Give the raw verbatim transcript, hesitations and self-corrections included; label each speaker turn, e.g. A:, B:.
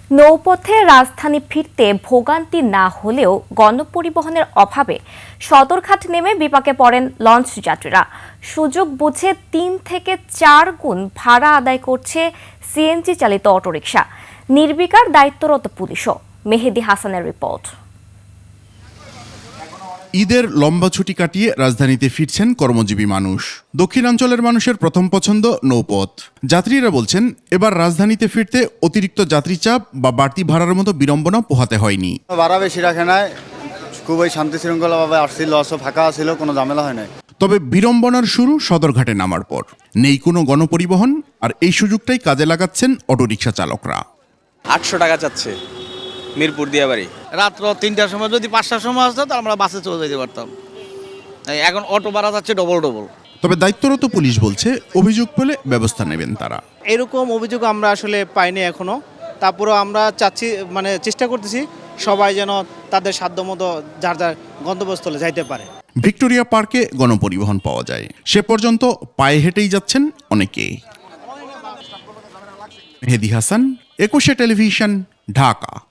A: নৌপথে রাজধানী ফিরতে ভোগান্তি না হলেও গণপরিবহনের অভাবে সদরঘাট নেমে বিপাকে পড়েন লঞ্চ যাত্রীরা। সুযোগ বুঝে তিন থেকে চার গুণ ভাড়া আদায় করছে সিএনজি চালিত অটোরিকশা। নির্বিকার দায়িত্বরত পুলিশও। মেহেদি হাসানের রিপোর্ট।
B: ঈদের লম্বা ছুটি কাটিয়ে রাজধানীতে ফিরছেন কর্মজীবী মানুষ। দক্ষিণাঞ্চলের মানুষের প্রথম পছন্দ নৌপথ। যাত্রীরা বলছেন, এবার রাজধানীতে ফিরতে অতিরিক্ত যাত্রী চাপ বা বাড়তি ভাড়ার মতো বিড়ম্বনা পোহাতে হয়নি।
C: ভাড়া বেশি রাখে নাই, খুবই শান্তি শৃঙ্খলাভাবে আসছিল, ফাঁকা ছিল, কোনো ঝামেলা হয় নাই।
B: তবে বিড়ম্বনার শুরু সদরঘাটে নামার পর। নেই কোনো গণপরিবহন, আর এই সুযোগটাই কাজে লাগাচ্ছেন অটোরিকশা চালকরা।
D: আটশো টাকা চাচ্ছে মিরপুর দিয়া বাড়ি।
E: রাত্র তিনটার সময় যদি পাঁচটার সময় আসতো তো আমরা বাসে চলে যেতে পারতাম। এখন অটো ভাড়া যাচ্ছে ডবল ডবল।
B: তবে দায়িত্বরত পুলিশ বলছে, অভিযোগ পেলে ব্যবস্থা নেবেন তারা।
F: এরকম অভিযোগ আমরা আসলে পাইনি এখনো। তারপরেও আমরা চাচ্ছি, মানে চেষ্টা করতেছি সবাই যেন তাদের সাধ্যমতো যার যার গন্তব্যস্থলে যাইতে পারে।
B: ভিক্টোরিয়া পার্কে গণপরিবহন পাওয়া যায়, সে পর্যন্ত পায়ে হেঁটেই যাচ্ছেন অনেকে। মেহেদি হাসান, একুশে টেলিভিশন, ঢাকা।